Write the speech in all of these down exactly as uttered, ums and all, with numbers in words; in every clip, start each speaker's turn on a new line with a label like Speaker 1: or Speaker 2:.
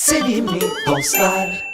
Speaker 1: sevimli dostlar.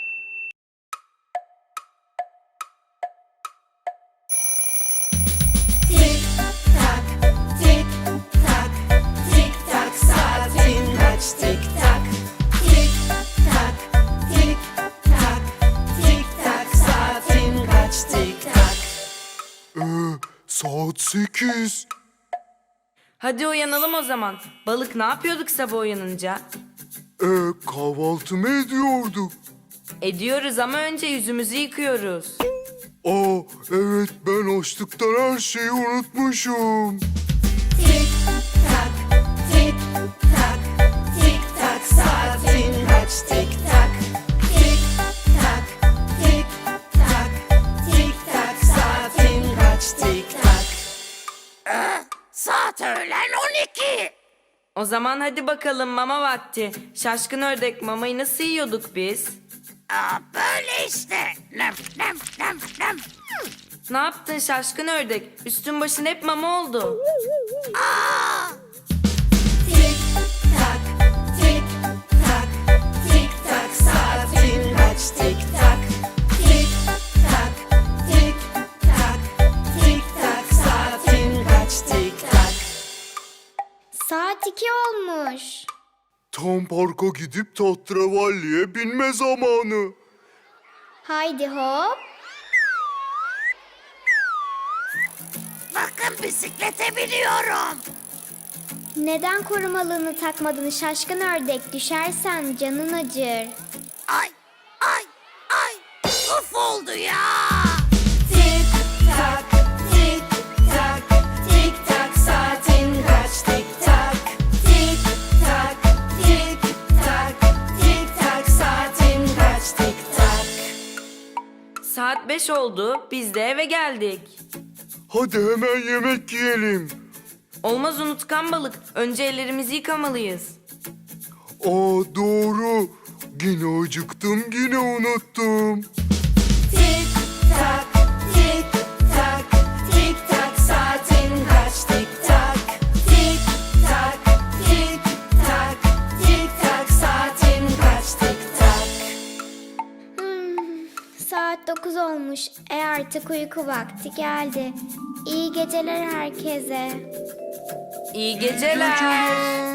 Speaker 2: Tik tak, tik tak, tik tak, saatin kaç tik tak. Tik tak, tik tak, tik tak, saatin kaç tik tak.
Speaker 3: Ee, saat sekiz.
Speaker 4: Hadi uyanalım o zaman. Balık ne yapıyorduk sabah uyanınca?
Speaker 3: Ee, kahvaltı mı ediyorduk?
Speaker 4: Ediyoruz ama önce yüzümüzü yıkıyoruz.
Speaker 3: Aa, evet, ben açlıktan her şeyi unutmuşum.
Speaker 2: Tik tak, tik tak, tik tak, saatin kaç tik tak. Tik tak, tik tak, tik tak, saatin kaç tik tak.
Speaker 5: Saat öğlen on iki.
Speaker 4: O zaman hadi bakalım mama vakti. Şaşkın ördek, mamayı nasıl yiyorduk biz?
Speaker 5: Aa, böyle işte. Nem nem nem nem.
Speaker 4: Ne yaptın şaşkın ördek? Üstün başın hep mama oldu.
Speaker 2: Tik tak, tik tak, tik tak, saatin kaç tik tak. Tik tak, tik tak, tik tak, saatin kaç tik tak.
Speaker 6: Saat iki olmuş.
Speaker 3: Tam parka gidip tahterevalliye binme zamanı.
Speaker 6: Haydi hop.
Speaker 5: Bakın bisiklete biniyorum.
Speaker 6: Neden korumalığını takmadın şaşkın ördek? Düşersen canın acır.
Speaker 5: Ay ay ay. Uf oldu ya.
Speaker 2: Tik tak, tik tak, tik tak, saatin kaç tik tak. Tik tak, tik tak, tik tak, saatin kaç tik tak.
Speaker 4: Saat beş oldu. Biz de eve geldik.
Speaker 3: Hadi hemen yemek yiyelim.
Speaker 4: Olmaz unutkan balık. Önce ellerimizi yıkamalıyız.
Speaker 3: Aa, doğru. Yine acıktım, yine unuttum.
Speaker 2: Tik tak, tik tak, tik tak, saatin kaç tik tak. Tik tak, tik tak, tik tak, saatin kaç tik tak.
Speaker 6: Hmm, saat dokuz olmuş. E artık uyku vakti geldi. İyi geceler herkese.
Speaker 4: İyi geceler.